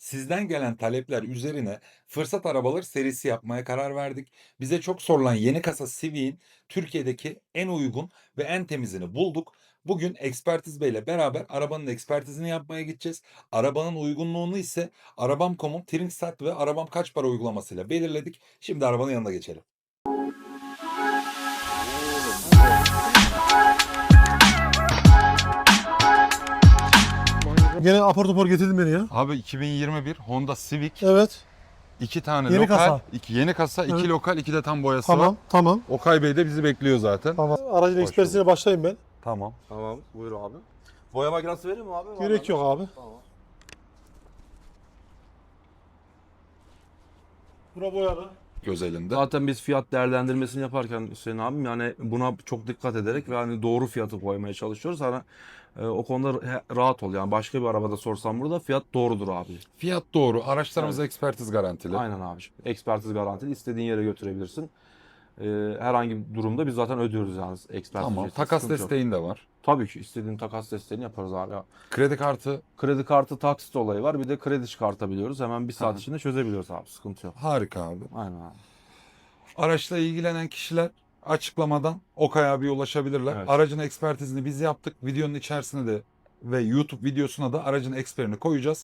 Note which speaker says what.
Speaker 1: Sizden gelen talepler üzerine fırsat arabaları serisi yapmaya karar verdik. Bize çok sorulan yeni kasa Civic'in Türkiye'deki en uygun ve en temizini bulduk. Bugün Ekspertiz Bey ile beraber arabanın ekspertizini yapmaya gideceğiz. Arabanın uygunluğunu ise Arabam.com'un Trinksat ve Arabam Kaç Para uygulamasıyla belirledik. Şimdi arabanın yanına geçelim.
Speaker 2: Gene apar topar getirdin beni ya.
Speaker 1: Abi 2021 Honda Civic.
Speaker 2: Evet.
Speaker 1: 2 tane
Speaker 2: Yeni
Speaker 1: lokal,
Speaker 2: kasa.
Speaker 1: 2 yeni kasa, 2
Speaker 2: Evet.
Speaker 1: lokal, 2 de tam boyası
Speaker 2: Tamam,
Speaker 1: var.
Speaker 2: tamam.
Speaker 1: Okay Bey de bizi bekliyor zaten.
Speaker 2: Tamam. Aracın
Speaker 1: Hoş
Speaker 2: ekspertizine başlayayım ben.
Speaker 1: Tamam.
Speaker 3: Tamam, buyur abi. Boya makinesi vereyim mi abi?
Speaker 2: Gerek yok abi.
Speaker 3: Tamam.
Speaker 2: Bura boyalı.
Speaker 1: Göz elinde.
Speaker 3: Zaten biz fiyat değerlendirmesini yaparken Hüseyin abim yani buna çok dikkat ederek ve hani doğru fiyatı koymaya çalışıyoruz. Hani o konuda rahat ol yani başka bir arabada sorsam burada fiyat doğrudur abi.
Speaker 1: Fiyat doğru. Araçlarımız ekspertiz garantili.
Speaker 3: Aynen abiciğim. Ekspertiz garantili istediğin yere götürebilirsin. Herhangi bir durumda biz zaten ödüyoruz yani ekspertiz
Speaker 1: Tamam.
Speaker 3: ücretini,
Speaker 1: Takas
Speaker 3: sıkıntı yok.
Speaker 1: desteğin de var.
Speaker 3: Tabii ki istediğin takas desteğini yaparız abi.
Speaker 1: Kredi kartı
Speaker 3: Kredi kartı taksit olayı var bir de kredi çıkartabiliyoruz. Hemen bir saat
Speaker 1: Aha.
Speaker 3: içinde çözebiliyoruz abi sıkıntı yok.
Speaker 1: harika abi.
Speaker 3: Aynen abi.
Speaker 1: Araçla ilgilenen kişiler açıklamadan Okay abiye ulaşabilirler.
Speaker 3: Evet.
Speaker 1: Aracın ekspertizini biz yaptık. Videonun içerisine de ve YouTube videosuna da aracın eksperini koyacağız.